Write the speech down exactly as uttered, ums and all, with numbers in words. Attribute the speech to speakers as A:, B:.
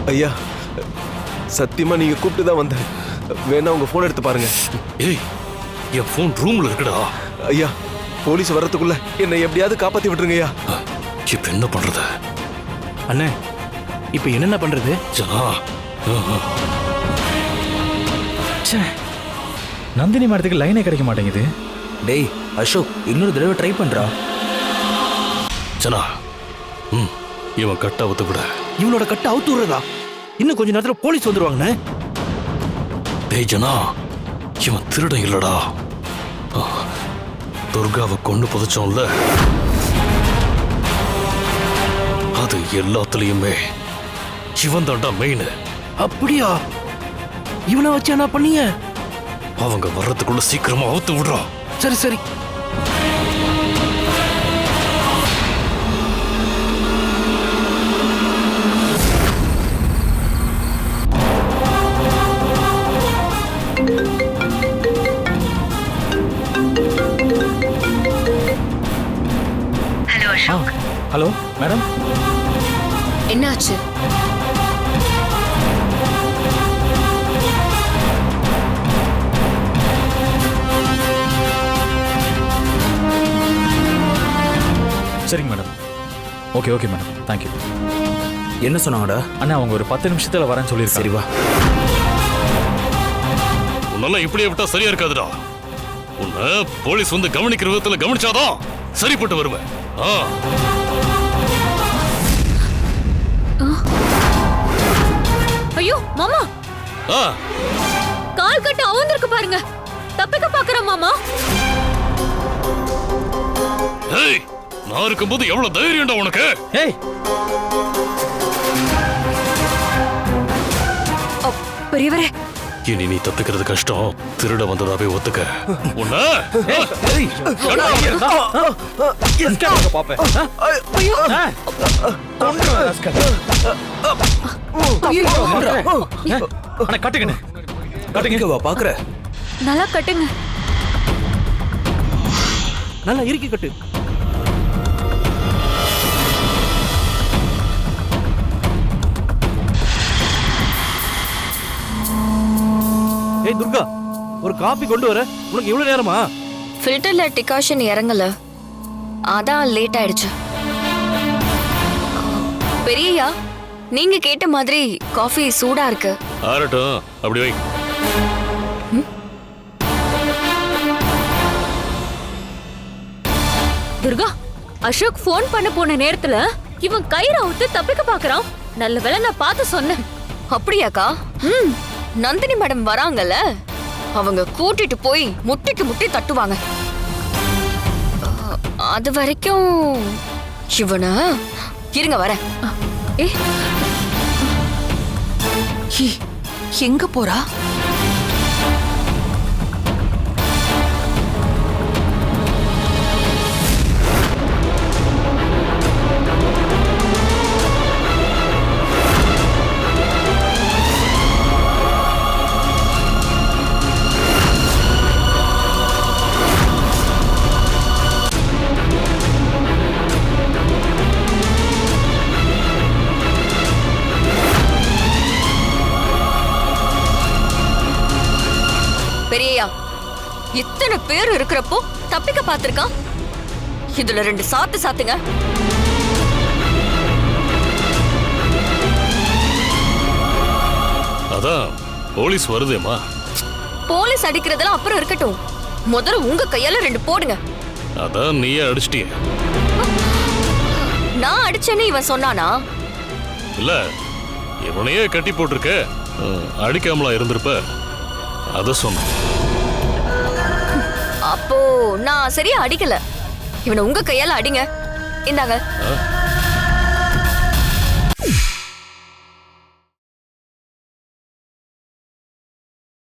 A: ஐயா சத்தியமா நீங்க கூப்பிட்டு தான் வந்தேன். வேணா உங்க போன் எடுத்து பாருங்க.
B: ஏய், என் போன் ரூம்ல இருக்குடா.
A: ஐயா போலீஸ் வர்றதுக்குள்ள என்னை எப்படியாவது காப்பாத்தி விட்டுருங்க ஐயா.
B: இப்ப என்ன பண்றது?
C: அண்ணே இப்ப என்னென்ன பண்றது?
B: ஜனா,
C: நந்தினி மரத்துக்கு லைனே கிடைக்க மாட்டேங்குது.
D: டேய் அசோக், இன்னொரு தடவை ட்ரை பண்றா.
B: ஜனா, ம் இவன் கட்ட அவுத்து விட.
C: இவனோட கட்ட அவுத்து விடுறதா? இன்னும் கொஞ்ச நேரத்துல போலீஸ் வந்துருவாங்கண்ணே.
B: டேய் ஜனா, இவன் திருடன் இல்லடா. துர்காவை கொண்டு புதைச்சோம்ல, அது எல்லாத்துலயுமே இவன் தாண்டா மெயின்.
C: அப்படியா? இவனை வச்சு என்ன பண்ணீங்க?
B: அவங்க வர்றதுக்குள்ள சீக்கிரமா அவுத்து விடுறா.
C: சரி சரி.
E: ஹலோ அசோக்.
C: Hello madam.
E: என்னாச்சு?
C: சரிங்க madam. Okay okay madam, thank you.
D: என்ன சொன்னாங்கடா?
C: அண்ணா அவங்க ஒரு பத்து நிமிஷத்துல வரேன்னு சொல்லியிருக்காங்க.
D: சரி வா.
B: உன்னால இப்படியே விட்டா சரியா இருக்காதுடா. உன்னை போலீஸ் வந்து கவனிக்கிற விதத்துல கவனிச்சாதான் சரிப்பட்டு வருவேன். ஆ.
E: ஐயோ மாமா,
B: ஆ.
E: கால் கட்டு அவுந்திருக்கு பாருங்க. தப்பிக்க பாக்குற மாமா.
B: ஏய், நான் இருக்கும்போது எவ்வளவு தைரியம்டா உனக்கு?
C: ஏய்,
E: பெரியவரே,
B: இனி நீ தப்பிக்கிறது கஷ்டம். திருட வந்ததாவே ஒத்துக்க. உன்னை
C: பாப்பேன். கட்டுங்க கட்டுங்க.
D: வா பாக்குற.
E: நல்லா கட்டுங்க.
C: நல்லா இறுக்கி கட்டு. ஏய் துர்கா, ஒரு காபி கொண்டு வர. உனக்கு இவ்வளவு நேரமா?
F: ஃபில்டர்ல டிகாஷன் இறங்கல, அதான் லேட் ஆயிடுச்சு. பெரியயா, நீங்க கேட்ட மாதிரி காஃபி சூடா இருக்கு.
B: ஆறட்டும், அப்படி வை.
E: துர்கா, அசோக் போன் பண்ண போன நேரத்துல இவன் கயிறு அவுத்து தப்பிக்க பாக்குறான். நல்ல வேளை நான் பார்த்து சொன்னேன்.
F: அப்படியாக்கா? ம், நந்தினி மேடம் வராங்கல்ல, அவங்க கூட்டிட்டு போய் முட்டிக்கு முட்டி தட்டுவாங்க. அஹ், அது வரைக்கும் இவன இருங்க வர.
E: ஏ, எங்க போறா?
F: பெரியயா, இத்தனை பேர் இருக்கிறப்போ தப்பிக்க பாத்திருக்கான். இதுல ரெண்டு சாத்து சாத்துங்க.
B: அதான் போலீஸ் வருதேமா.
F: போலீஸ் அடிக்கிறதெல்லாம் அப்புறம் இருக்கட்டும், முதல்ல உங்க கையால ரெண்டு போடுங்க.
B: அதான் நீயே அடிச்சிட்டிய.
F: நான் அடிச்சேன்னு இவன் சொன்னானா?
B: இல்ல, இவனையே கட்டி போட்டிருக்க, அடிக்காமலா இருந்திருப்ப, அத சொன்ன.
F: அப்போ நான் சரியா அடிக்கல. இவனை உங்க கையால அடிங்க. இந்தாங்க.